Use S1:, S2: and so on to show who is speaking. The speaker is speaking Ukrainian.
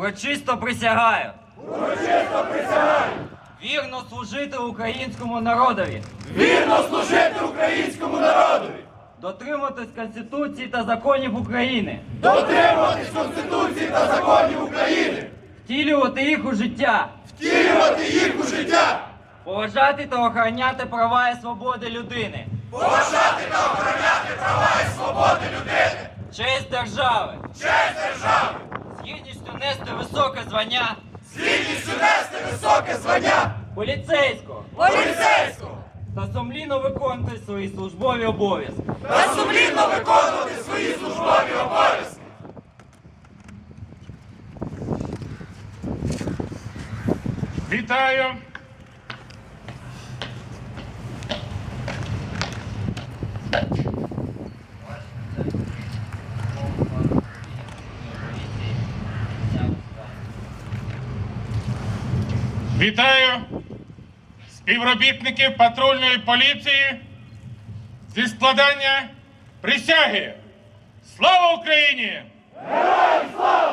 S1: Урочисто присягаю.
S2: Урочисто присягаю.
S1: Вірно служити українському народові.
S2: Вірно служити українському народові.
S1: Дотримуватись Конституції та законів України.
S2: Дотримуватись Конституції та законів України.
S1: Втілювати їх у життя.
S2: Втілювати їх у життя.
S1: Поважати та охороняти права і свободи людини.
S2: Поважати та охороняти права і свободи людини.
S1: Честь держави.
S2: Честь держави.
S1: З гідністю нести високе звання.
S2: З гідністю нести високе звання.
S1: Поліцейського.
S2: Поліцейського.
S1: Та сумлінно виконувати свої службові обов'язки.
S2: Та сумлінно виконувати свої службові обов'язки.
S3: Вітаю! Вітаю співробітників патрульної поліції зі складання присяги. Слава Україні!
S2: Героям слава!